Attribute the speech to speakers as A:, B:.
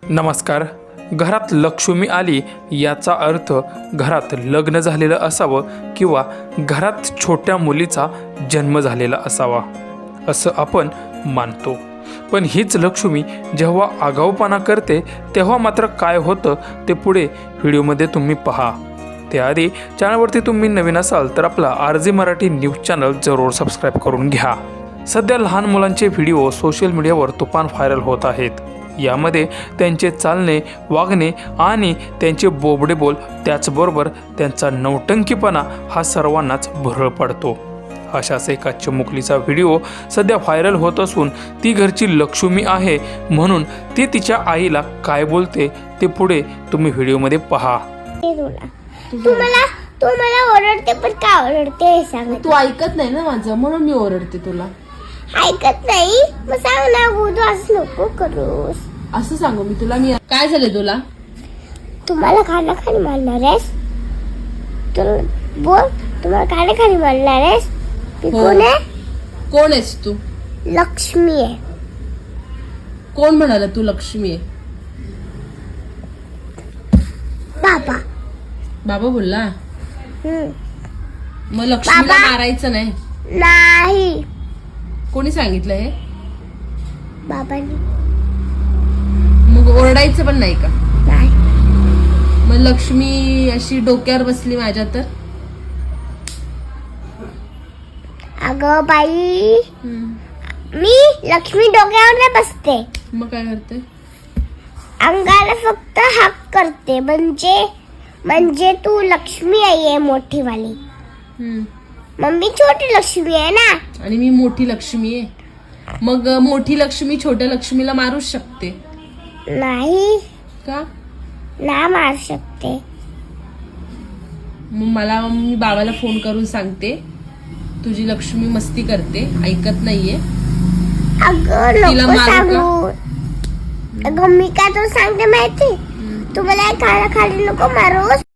A: नमस्कार. घरात लक्ष्मी आली याचा अर्थ घरात लग्न झालेलं असावं किंवा घरात छोट्या मुलीचा जन्म झालेला असावा असं आपण मानतो. पण हीच लक्ष्मी जेव्हा आगाऊपणा करते तेव्हा मात्र काय होतं ते पुढे व्हिडिओमध्ये तुम्ही पहा. त्याआधी चॅनलवरती तुम्ही नवीन असाल तर आपला RJ मराठी न्यूज चॅनल जरूर सबस्क्राईब करून घ्या. सध्या लहान मुलांचे व्हिडिओ सोशल मीडियावर तुफान व्हायरल होत आहेत. यामध्ये त्यांचे चालणे, वागणे आणि त्यांचे बोबडे बोल, त्याचबरोबर त्यांचा नौटंकीपणा हा सर्वांनाच भुरळ पडतो. अशाच एका चिमुकलीचा व्हिडिओ सध्या व्हायरल होत असून ती घरची लक्ष्मी आहे म्हणून ती तिच्या आईला काय बोलते ते पुढे तुम्ही व्हिडिओमध्ये पहा.
B: तू मला ओरडते पण का ओरडते हे सांग.
C: तू ऐकत नाही ना माझं, म्हणून मी ओरडते तुला.
B: ऐकत नाही मग सांग ना, तू असं नको करूस.
C: असं सांगू मी तुला? मी काय झालं तुला?
B: तुम्हाला खाली मारणार आहेस? बोल, तुम्हाला खाली मारणार आहेस? मी
C: हो.
B: कोण आहे?
C: कोण आहेस तू?
B: लक्ष्मी आहे.
C: कोण म्हणाला तू लक्ष्मी आहे?
B: बाबा.
C: बाबा बोलला. मग
B: बाबा.
C: लक्ष्मीला मारायचं नाही?
B: नाही,
C: कोणी सांगितलं हे?
B: बाबांनी.
C: मग ओरडायचं पण नाही का?
B: नाही.
C: मग लक्ष्मी अशी डोक्यावर बसली माझ्या तर?
B: अगं बाई, मी लक्ष्मी डोक्यावर नाही बसते,
C: मग काय करते?
B: अंगाला फक्त हाक करते. म्हणजे तू लक्ष्मी आई आहे मोठी वाली. मम्मी छोटी लक्ष्मी आहे ना.
C: आणि मी मोठी लक्ष्मी आहे. मग मोठी लक्ष्मी छोट्या लक्ष्मीला मारूच शकते
B: नाही
C: का?
B: ना मारू शकते.
C: मग मी बाबाला फोन करून सांगते तुझी लक्ष्मी मस्ती करते, ऐकत नाहीये.
B: अगं
C: तिला
B: नको
C: मारू
B: सांगू. अगं मी काय तुला सांगते माहिती, तू मला खाली नको मारूस.